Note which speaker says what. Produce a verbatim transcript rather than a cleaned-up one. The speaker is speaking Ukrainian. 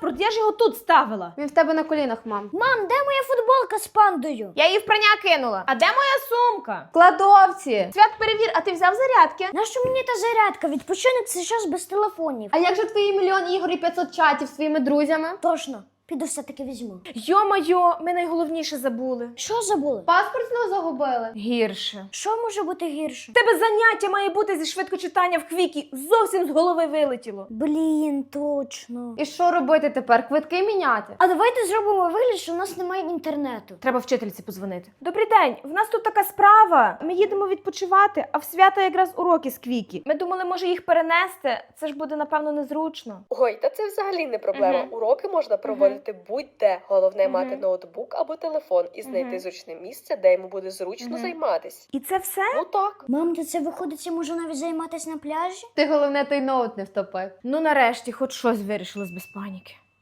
Speaker 1: паспорт, я ж його тут ставила.
Speaker 2: Він в тебе на колінах, мам.
Speaker 3: Мам, де моя футболка з пандою?
Speaker 1: Я її в прання кинула. А де моя сумка?
Speaker 2: В кладовці.
Speaker 1: Свят, перевір, а ти взяв зарядки?
Speaker 3: Нащо мені та зарядка? Відпочинок це час без телефонів.
Speaker 2: А як же твої мільйон ігор і п'ятсот чатів з своїми друзями?
Speaker 3: Точно, піду все-таки візьму.
Speaker 1: Йо-майо, ми найголовніше забули.
Speaker 3: Що забули?
Speaker 2: Паспорт знову загубили.
Speaker 1: Гірше.
Speaker 3: Що може бути гірше?
Speaker 1: В тебе заняття має бути зі швидкочитання в Квікі. Зовсім з голови вилетіло.
Speaker 3: Блін, точно.
Speaker 2: І що робити тепер? Квитки міняти?
Speaker 3: А давайте зробимо вигляд, що у нас немає інтернету.
Speaker 1: Треба вчительці подзвонити. Добрий день, в нас тут така справа. Ми їдемо відпочивати, а в свята якраз уроки з Квікі. Ми думали, може їх перенести. Це ж буде, напевно, незручно.
Speaker 4: Ой, та це взагалі не проблема.
Speaker 1: Мгм.
Speaker 4: Уроки можна проводити будь-де. Головне
Speaker 1: Мгм.
Speaker 4: мати ноутбук або телефон і знайти
Speaker 1: Мгм.
Speaker 4: зручне місце, де йому буде зручно
Speaker 1: Мгм.
Speaker 4: займатись.
Speaker 1: І це все?
Speaker 4: Ну так.
Speaker 3: Мам, то це виходить, я можу навіть займатися на пляжі?
Speaker 2: Ти головне той ноут не втопив.
Speaker 1: Ну нарешті, хоч щось вирішили без паніки.